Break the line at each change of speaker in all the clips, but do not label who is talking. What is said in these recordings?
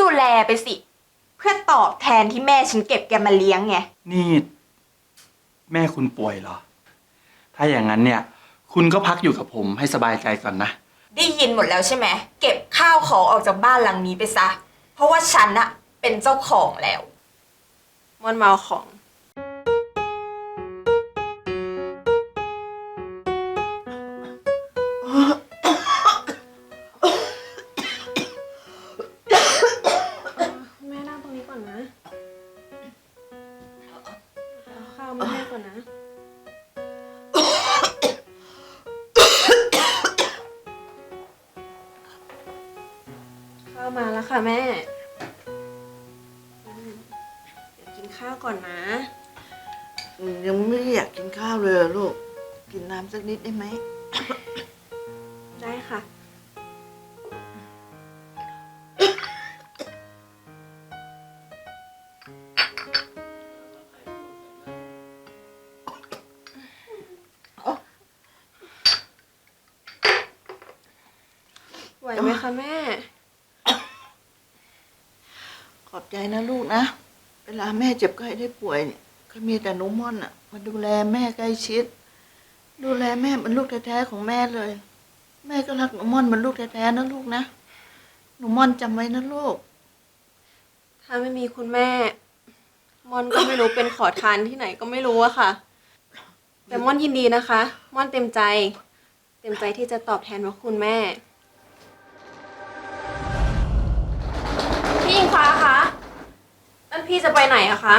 ดูแลไปสิเพื่อตอบแทนที่แม่ฉันเก็บแกมาเลี้ยงไง
นี่แม่คุณป่วยเหรอถ้าอย่างนั้นเนี่ยคุณก็พักอยู่กับผมให้สบายใจก่อนนะ
ได้ยินหมดแล้วใช่ไหมเก็บข้าวของออกจากบ้านหลังนี้ไปซะเพราะว่าฉันอะเป็นเจ้าของแล้วม่อนเมาของ
แม่นั่งตรงนี้ก่อนนะเอาข้าวมาให้ก่อนนะข้าวมาแล้วค่ะแม่เดี๋ยวกินข้าวก่อนนะ
ยังไม่อยากกินข้าวเลยลูกกินน้ำสักนิดได้ไหม
ได้ค่ะไหวไหมคะแม่
ขอบใจนะลูกนะเวลาแม่เจ็บไข้ได้ป่วยเนี่ยก็มีแต่หนูม่อนอ่ะมาดูแลแม่ใกล้ชิดดูแลแม่เหมือนลูกแท้ๆของแม่เลยแม่ก็รักหนูม่อนเหมือนลูกแท้ๆนะลูกนะหนูม่อนจำไว้นะลูก
ถ้าไม่มีคุณแม่ม่อนก็ไม่รู้เป็นขอทานที่ไหนก็ไม่รู้อะค่ะแต่ม่อนยินดีนะคะม่อนเต็มใจที่จะตอบแทนพระคุณแม่พี่อิงฟ้าคะนั่นพี่จะไปไหนอะคะ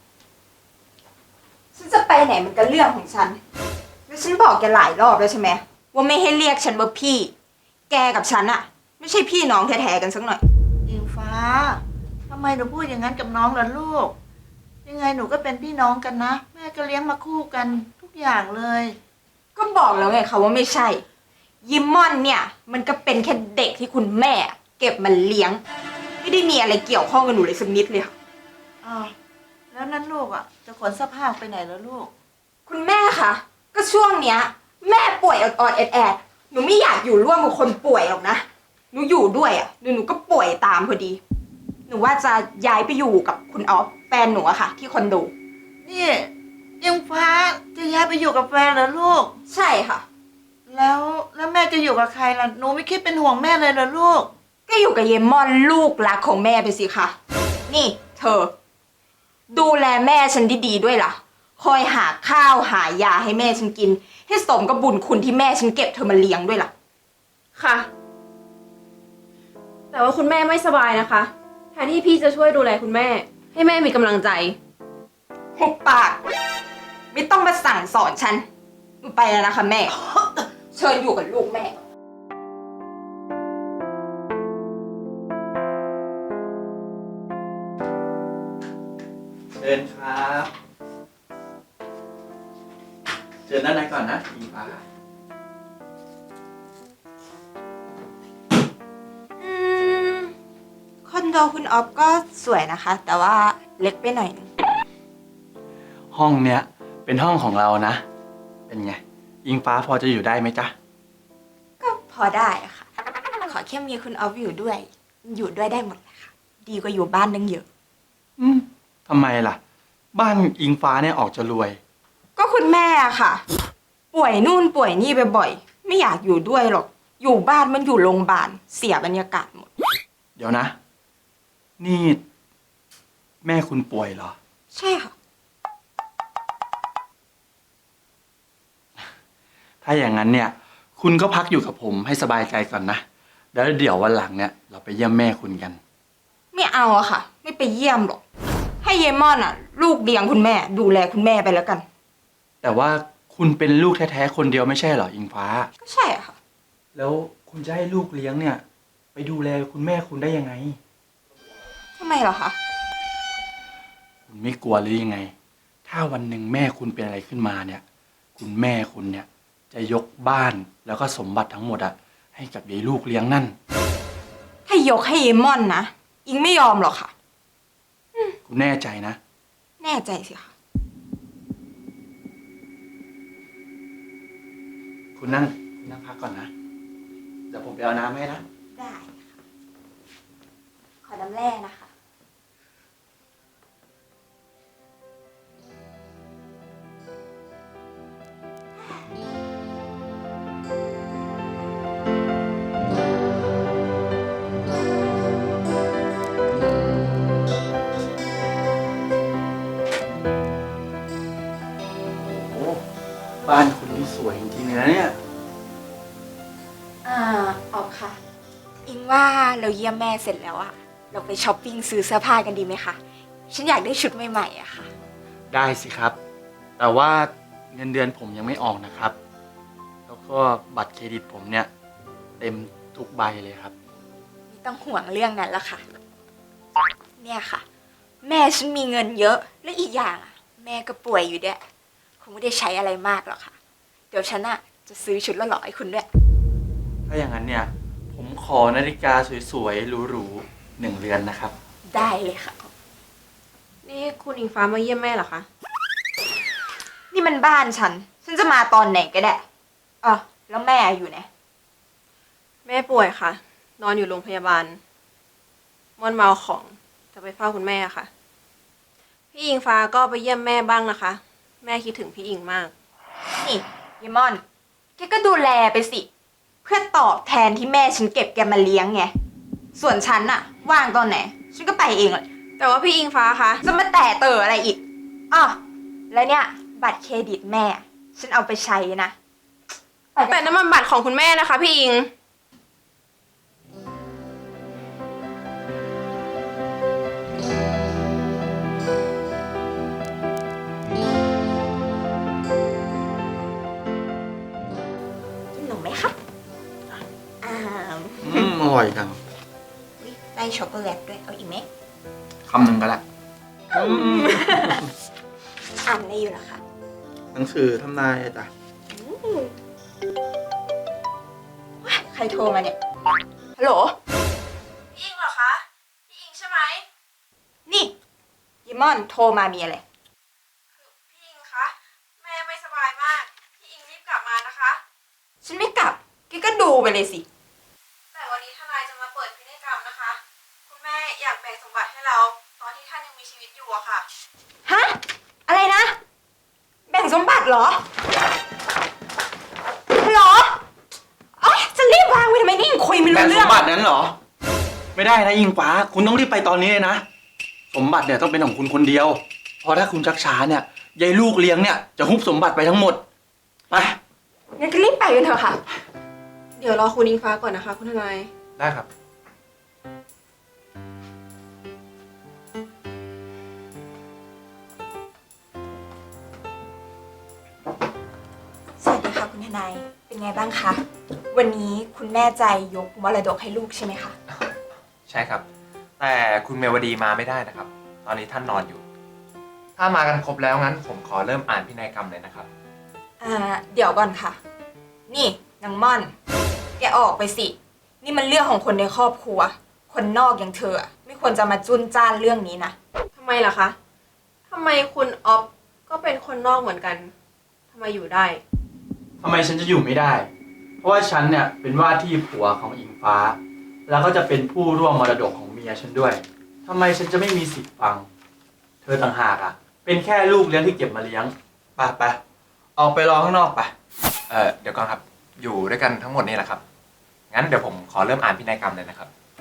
ฉันจะไปไหนมันก็เรื่องของฉันแล้วฉันบอกแกหลายรอบแล้วใช่ไหมว่าไม่ให้เรียกฉันว่าพี่แกกับฉันอะไม่ใช่พี่น้องแท้ๆกันสักหน่อย
อิงฟ้าทำไมหนูพูดอย่างนั้นกับน้องล่ะลูกยังไงหนูก็เป็นพี่น้องกันนะแม่ก็เลี้ยงมาคู่กันทุกอย่างเลย
ก็บอกแล้วไงคะว่าไม่ใช่ยิมมอนเนี่ยมันก็เป็นแค่เด็กที่คุณแม่เก็บมาเลี้ยงไม่ได้มีอะไรเกี่ยวข้องกับหนูเลยสักนิดเลยค่ะ
อ้าวแล้วนั่นลูกอ่ะจะขนเสื้อผ้าไปไหนแล้วลูก
คุณแม่คะก็ช่วงเนี้ยแม่ป่วยออดๆแอดๆหนูไม่อยากอยู่ร่วมกับคนป่วยหรอกนะหนูอยู่ด้วยอ่ะหนูก็ป่วยตามพอดีหนูว่าจะย้ายไปอยู่กับคุณออฟแฟนหนูอะค่ะที่คอนโด
นี่อิงฟ้าจะย้ายไปอยู่กับแฟนเหรอลูก
ใช่ค่ะ
แล้วแม่จะอยู่กับใครล่ะหนูไม่คิดเป็นห่วงแม่เลยเหรอลูก
ก็อยู่กับเยมอนลูกรักของแม่ไปสิคะนี่เธอดูแลแม่ฉันดีๆด้วยล่ะคอยหาข้าวหายาให้แม่ฉันกินให้สมกับบุญคุณที่แม่ฉันเก็บเธอมาเลี้ยงด้วยล่ะ
ค่ะแต่ว่าคุณแม่ไม่สบายนะคะแทนที่พี่จะช่วยดูแลคุณแม่ให้แม่มีกำลังใจ
หุบปากไม่ต้องมาสั่งสอนฉันหนูไปแล้วนะคะแม่ เชิญอยู่กับลูกแม่
เชิญครับเชิญด้านในก่อนนะอิงฟ้า
คอนโดคุณออฟก็สวยนะคะแต่ว่าเล็กไปหน่อยนึง
ห้องเนี้ยเป็นห้องของเรานะเป็นไงอิงฟ้าพอจะอยู่ได้ไหมจ๊ะ
ก็พอได้ค่ะขอแค่มีคุณออฟอยู่ด้วยได้หมดเลยค่ะดีกว่าอยู่บ้านนึงเยอะ
ทำไมล่ะบ้านอิงฟ้าเนี่ยออกจะรวย
ก็คุณแม่ค่ะป่วยนู่นป่วยนี่บ่อยๆไม่อยากอยู่ด้วยหรอกอยู่บ้านมันอยู่โรงพยาบาลเสียบรรยากาศหมด
เดี๋ยวนะนี่แม่คุณป่วยเหรอ
ใช่ค่ะ
ถ้าอย่างนั้นเนี่ยคุณก็พักอยู่กับผมให้สบายใจก่อนนะแล้วเดี๋ยววันหลังเนี่ยเราไปเยี่ยมแม่คุณกัน
ไม่เอาอะค่ะไม่ไปเยี่ยมหรอกให้เยมอนอะลูกเลี้ยงคุณแม่ดูแลคุณแม่ไปแล้วกัน
แต่ว่าคุณเป็นลูกแท้ๆคนเดียวไม่ใช่เหรออิงฟ้า
ก็ใช่อะค่ะ
แล้วคุณจะให้ลูกเลี้ยงเนี่ยไปดูแลคุณแม่คุณได้ยังไง
ทำไมเหรอคะ
คุณไม่กลัวหรือยังไงถ้าวันหนึ่งแม่คุณเป็นอะไรขึ้นมาเนี่ยคุณแม่คุณเนี่ยจะยกบ้านแล้วก็สมบัติทั้งหมดอะให้กับยายลูกเลี้ยงนั่น
ถ้ายกให้เยมอนนะอิงไม่ยอมหรอกค่ะ
คุณแน่ใจนะ
แน่ใจสิค่ะ
คุณนั่งพักก่อนนะเดี๋ยวผมไปเอาน้ำให้นะ
ได้ค่ะขอน้น้ำแร่นะคะ
โอ้บ้านคุณนี่สวยจริงๆเลยนะเนี่ย
ออกค่ะ อิงว่าเราเยี่ยมแม่เสร็จแล้วอะเราไปช้อปปิ้งซื้อเสื้อผ้ากันดีไหมคะ ฉันอยากได้ชุดใหม่ๆอะค่ะ
ได้สิครับ แต่ว่าเงินเดือนผมยังไม่ออกนะครับ แล้วก็บัตรเครดิตผมเนี่ย เต็มทุกใบเลยครับ
ไม่ต้องห่วงเรื่องนั้นละค่ะ เนี่ยค่ะ แม่ฉันมีเงินเยอะ และอีกอย่างอะแม่ก็ป่วยอยู่ด้วยคงไม่ได้ใช้อะไรมากหรอกค่ะ เดี๋ยวฉันอะจะซื้อชุดละหล่อให้คุณด้วย
ถ้าอย่างนั้นเนี่ย ผมขอนาฬิกาสวยๆหรูๆ1 เรือนนะครับ
ได้เลยค่ะ
นี่คุณอิงฟ้ามาเยี่ยมแม่เหรอคะ
นี่มันบ้านฉัน ฉันจะมาตอนไหนก็ได้แล้วแม่อยู่ไหน
แม่ป่วยค่ะ นอนอยู่โรงพยาบาลม่อนเมาของจะไปเฝ้าคุณแม่ค่ะ พี่อิงฟ้าก็ไปเยี่ยมแม่บ้างนะคะ แม่คิดถึงพี่อิงมาก
นี่ยายมอน แกก็ดูแลไปสิ เพื่อตอบแทนที่แม่ฉันเก็บแกมาเลี้ยงไง ส่วนฉันน่ะ ว่างตอนไหน ฉันก็ไปเองเลย
แต่ว่าพี่อิงฟ้าคะ
จะมาแต่เตออะไรอีกแล้วเนี่ย บัตรเครดิตแม่ ฉันเอาไปใช้นะไปกั
แต่
น
น้ำมันบัตรของคุณแม่นะคะ พี่อิง
กินหนมไหมครับ
อร่อยจัง
อุ๊ยได้ช็อกโกแลตด้วย เอาอีกไหม
คำหนึ่งก็ละ
อ่านอะไรอยู่เหรอคะ
หนังสือทำนายจ้ะ
ว้ายใครโทรมาเนี่ย ฮัลโหล
พี่อิงเหรอคะ พี่อิงใช่ไหม
นี่ยิมอนโทรมามีอะไร
พี่อิงคะ แม่ไม่สบายมาก พี่อิงรีบกลับมานะคะ
ฉันไม่กลับแกก็ดูไปเลยสิ
แต่วันนี้ทนายจะมาเปิดพินัยกรรมนะคะ คุณแม่อยากแบ่งสมบัติให้เรา ตอนที่ท่านยังมีชีวิตอยู่อะค่ะ
ฮะ อะไรนะ แบ่งสมบัติเหรอเหรอเอ้ยจะรีบวางไว้ทำไมนี่ยังคุยไม่รู้
แบ่ง
เรื่
ส
อง
มบัตินั้นเหรอ ไม่ได้นะยิงฟ้า คุณต้องรีบไปตอนนี้เลยนะ สมบัติเนี่ยต้องเป็นของคุณคนเดียว เพราะถ้าคุณชักช้าเนี่ยยายลูกเลี้ยงเนี่ยจะฮุบสมบัติไปทั้งหมด ไป
งั้นก็รีบไปกันเถอะค่ะ
เดี๋ยวรอคุณอิงฟ้าก่อนนะคะ คุณทนาย
ได้ครับ
สวัสดีค่ะคุณทนาย เป็นไงบ้างคะ วันนี้คุณแม่ใจยกมรดกให้ลูกใช่ไหมคะ
ใช่ครับ แต่คุณเมวดีมาไม่ได้นะครับ ตอนนี้ท่านนอนอยู่ ถ้ามากันครบแล้วงั้น ผมขอเริ่มอ่านพินัยกรรมเลยนะครับ
เดี๋ยวก่อนค่ะ นี่นางม่อน แกออกไปสิ นี่มันเรื่องของคนในครอบครัว คนนอกอย่างเธออะไม่ควรจะมาจุนจ้านเรื่องนี้นะ
ทำไมล่ะคะ ทำไมคุณออฟก็เป็นคนนอกเหมือนกัน ทำไมอยู่ได้
ทำไมฉันจะอยู่ไม่ได้ เพราะว่าฉันเนี่ยเป็นว่าที่ผัวของอิงฟ้า แล้วก็จะเป็นผู้ร่วมมรดกของเมียฉันด้วย ทำไมฉันจะไม่มีสิทธิ์ฟัง เธอต่างหากอ่ะ เป็นแค่ลูกเลี้ยงที่เก็บมาเลี้ยง ไปออกไปรอข้างนอกไป
เดี๋ยวก่อนครับ อยู่ด้วยกันทั้งหมดนี่แหละครับ งั้นเดี๋ยวผมขอเริ่มอ่านพินัยกรรมเลยนะครับ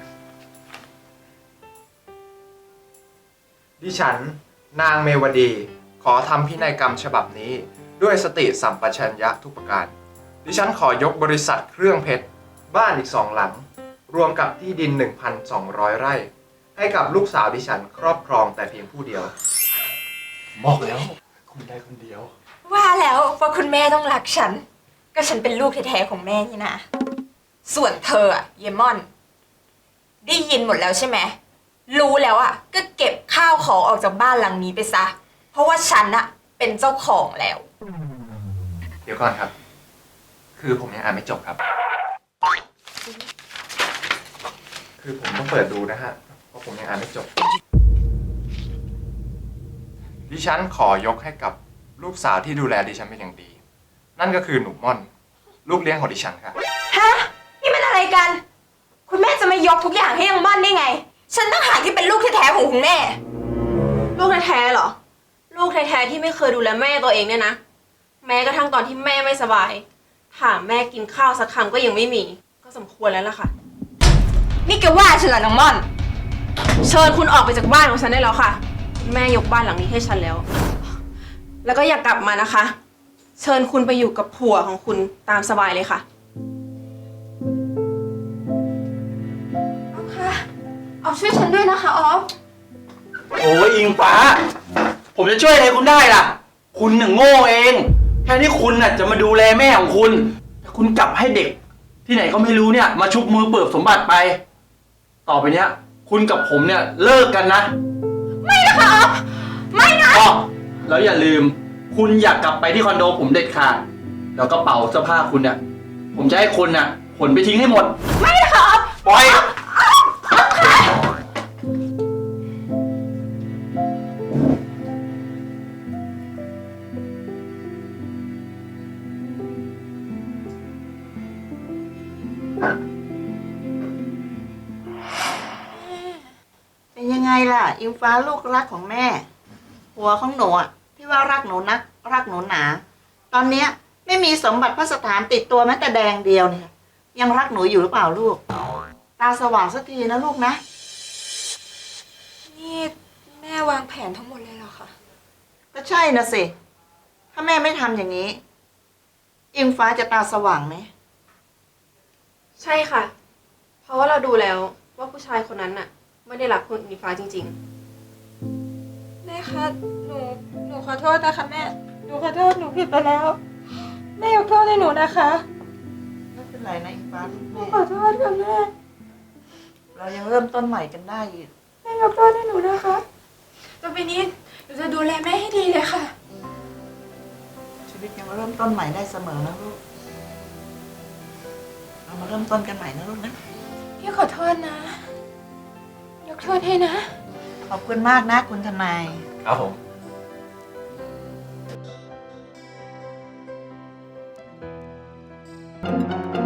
ดิฉัน นางเมวดี ขอทำพินัยกรรมฉบับนี้ ด้วยสติสัมปชัญญะทุกประการ ดิฉันขอยกบริษัทเครื่องเพชร บ้านอีก2 หลัง รวมกับที่ดิน 1,200 ไร่ ให้กับลูกสาวดิฉันครอบครองแต่เพียงผู้เดียว
บอกแล้ว คุณได้คนเดียว
ว่าแล้วว่าคุณแม่ต้องรักฉัน ก็ฉันเป็นลูกแท้ๆของแม่นี่นะ ส่วนเธออะเยมอน ได้ยินหมดแล้วใช่ไหม รู้แล้วอะก็เก็บข้าวของออกจากบ้านหลังนี้ไปซะ เพราะว่าฉันอะเป็นเจ้าของแล้ว
เดี๋ยวก่อนครับ คือผมยังอ่านไม่จบครับ คือผมต้องเปิดดูนะฮะ เพราะผมยังอ่านไม่จบ ดิฉันขอยกให้กับลูกสาวที่ดูแลดิฉันเป็นอย่างดี นั่นก็คือหนูม่อน ลูกเลี้ยงของดิฉันค่ะ
ฮะ นี่มันอะไรกัน คุณแม่จะมายกทุกอย่างให้ยังม่อนได้ไงฉันต้องหากที่เป็นลูกแท้ๆของคุณแม่
ลูกแท้ๆเหรอ ลูกแท้ๆที่ไม่เคยดูแลแม่ตัวเองเนี่ยนะ แม้กระทั่งตอนที่แม่ไม่สบาย ถามแม่กินข้าวสักคำก็ยังไม่มี ก็สมควรแล้วล่ะค่ะ
นี่แกว่าฉันเหรอน้องม่อน
เชิญคุณออกไปจากบ้านของฉันได้แล้วค่ะคุณแม่ยกบ้านหลังนี้ให้ฉันแล้ว แล้วก็อย่ากลับมานะคะ เชิญคุณไปอยู่กับผัวของคุณตามสบายเลยค่ะ
ออฟคะออฟช่วยฉันด้วยนะคะออฟ
โอ้ยอิงฟ้า ผมจะช่วยอะไรคุณได้ล่ะ คุณน่ะโง่เองแค่ที่คุณน่ะจะมาดูแลแม่ของคุณแต่คุณกลับให้เด็ก ที่ไหนก็ไม่รู้เนี่ย มาชุบมือเปิบสมบัติไป ต่อไปเนี้ย คุณกับผมเนี่ยเลิกกันนะ
ไม่นะคะออฟไม่นะ
อ๋อแล้วอย่าลืม คุณอยากกลับไปที่คอนโดผมเด็ดขาดแล้วกระเป๋าเสื้อผ้าคุณเนี่ยผมจะให้คุณน่ะขนไปทิ้งให้หมด
ไม่นะคะออฟ
ปล่อย
เป็นยังไงล่ะ อิงฟ้าลูกรักของแม่ หัวของหนูอะที่ว่ารักหนูนัก รักหนูหนา ตอนเนี้ยไม่มีสมบัติพระสถานติดตัวแม้แต่แดงเดียวเนี่ยยังรักหนูอยู่หรือเปล่าลูก ตาสว่างสักทีนะลูกนะ
นี่แม่วางแผนทั้งหมดเลยเหรอคะ
ก็ใช่นะสิ ถ้าแม่ไม่ทำอย่างนี้ อิงฟ้าจะตาสว่างไหม
ใช่ค่ะ เพราะว่าเราดูแล้วว่าผู้ชายคนนั้นน่ะ ไม่ได้รักคุณอิงฟ้าจริง
แม่คะหนูขอโทษนะคะแม่ หนูขอโทษหนูผิดไปแล้ว แม่ยกโทษให้หนูนะคะ
ไม่เป็นไรนะอิงฟ้าลูก
หนู
แม่
ขอโทษค่ะแม่
เรายังเริ่มต้นใหม่กันได้อีก
แม่ยกโทษให้หนูนะคะต่อไปนี้หนูจะดูแลแม่ให้ดีเลยค่ะ
ชีวิตยังเริ่มต้นใหม่ได้เสมอนะลูก เรามาเริ่มต้นกันใหม่นะลูกนะ
พี่ขอโทษนะ ยกโทษให้นะ
ขอบคุณมากนะคุณทนาย
ครับผม
เ